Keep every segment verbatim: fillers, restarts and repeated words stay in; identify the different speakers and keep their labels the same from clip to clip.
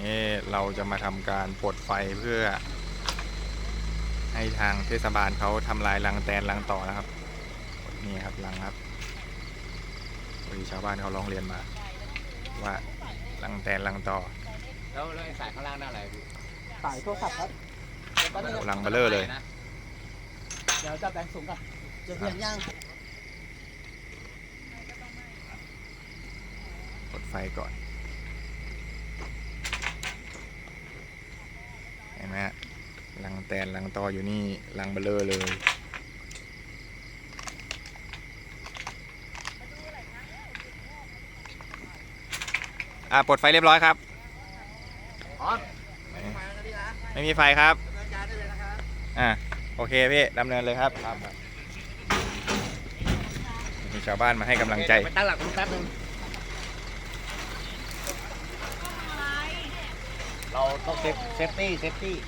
Speaker 1: นี้เราจะมาทำการปลดไฟเพื่อให้ทางเทศบาลเขาทำลายรังแตนรังต่อนะครับนี่ครับรังครับพอดีชาวบ้านเขาร้องเรียนมาว่ารังแตนรังต่อ
Speaker 2: แล้วแล้วไอ้สายข้างล่างนั่นอะไรพี่
Speaker 3: สายโทรศัพท์ครับ
Speaker 1: รังเบลเลอร์เลย
Speaker 3: เดี๋ยวจะแบ่งสูงกันจะเปลี่ยนย่าง
Speaker 1: ปลดไฟก่อนเห็นไหมฮะรังแตนรังตออยู่นี่รังเบลเลอร์เลยอ่ะปลดไฟเรียบร้อยครับ
Speaker 3: อ๋อ
Speaker 1: ไม่มีไฟครับอ่ะโอเคพี่ดำเนินเลยครับมีชาวบ้านมาให้กำลังใจ
Speaker 2: ไปตั้งหลักแป๊บนึงเราต้องเซฟเซฟตี้เซฟตี้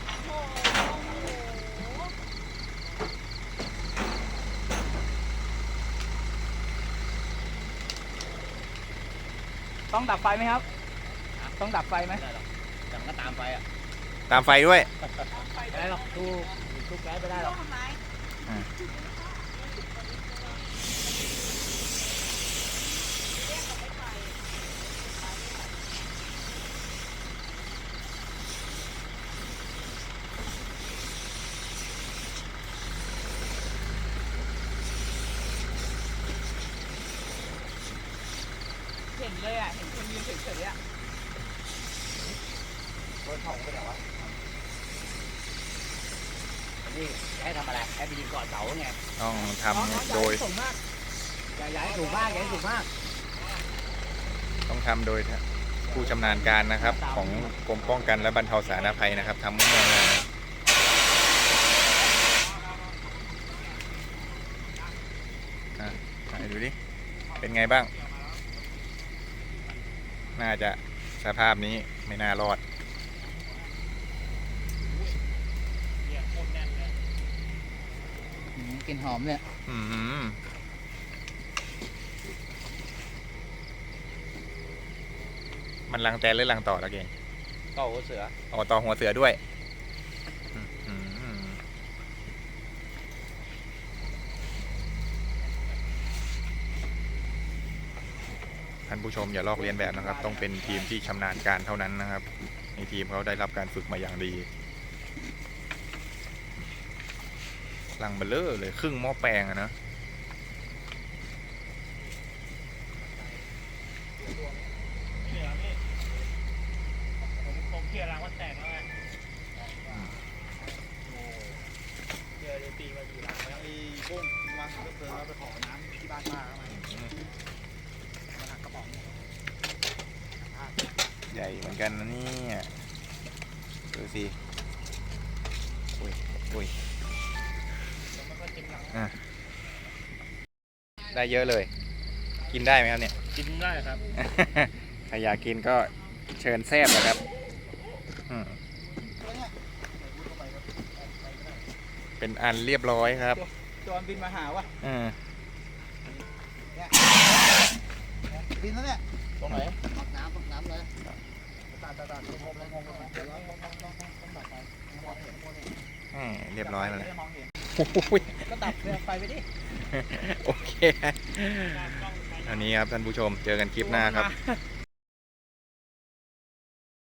Speaker 3: ต้องดับไฟไหมครับต้องดับไฟไหม
Speaker 2: แต่มันก็ตามไฟอ่ะ
Speaker 1: ตามไฟด้วย
Speaker 2: ไม่ได้หรอกตู้ตู้แก๊สไม่ได้หรอก
Speaker 3: เห็นเลยอ่ะเห็นคนยืนเฉยๆอ่ะ
Speaker 2: รถของไปไหนวะนี่ให้ทำอะไรให้ไปยิงก่อนเสาไง
Speaker 1: ต้องทำโดย
Speaker 2: อย่าย้ายสูงมากอย่าสูงมาก
Speaker 1: ต้องทำโดยผู้ชำนาญการนะครับของกรมป้องกันและบรรเทาสาธารณภัยนะครับทำมั่วๆอ่ะให้ดูดิเป็นไงบ้างน่าจะสภาพนี้ไม่น่ารอด
Speaker 3: กลิ่นหอมเนี่ย
Speaker 1: อืมมันรังแตนหรือรังต่อตะเกียง
Speaker 2: ต่อหัวเสือ
Speaker 1: อ๋อต่อหัวเสือด้วยท่านผู้ชมอย่าลอกเลียนแบบนะครับต้องเป็นทีมที่ชำนาญการเท่านั้นนะครับในทีมเขาได้รับการฝึกมาอย่างดีรังเบลเลอร์เลยครึ่งหม้อแปลงอะนะ
Speaker 3: ผมเกี่ยวรังมันแตกแล้วไงเกี่ยวเลยตีมาดีรังแล้วไอ้กุ้งวางถังเพลิงแล้วไปขอน้ำที่บ้านป้าเข้ามามาถักกระป๋อง
Speaker 1: ใหญ่เหมือนกันนะเนี่ยดูสิอุ้ยอุ้ยได้เยอะเลยกินได้ไหมครับเนี่ย
Speaker 3: กินได้ครับ
Speaker 1: ใครอยากกินก็เชิญแซ่บนะครับเป็นอันเรียบร้อยครับ
Speaker 3: จอนบินมาหาวะบินแล้วเนี่ย
Speaker 2: ตรงไหน
Speaker 3: ปักน้ำปักน้ำเลย
Speaker 1: เรียบร้อยเลย
Speaker 3: ก็ดับไฟไปดิ
Speaker 1: โอเคอันนี้ครับท่านผู้ชมเจอกันคลิปหน้าครับ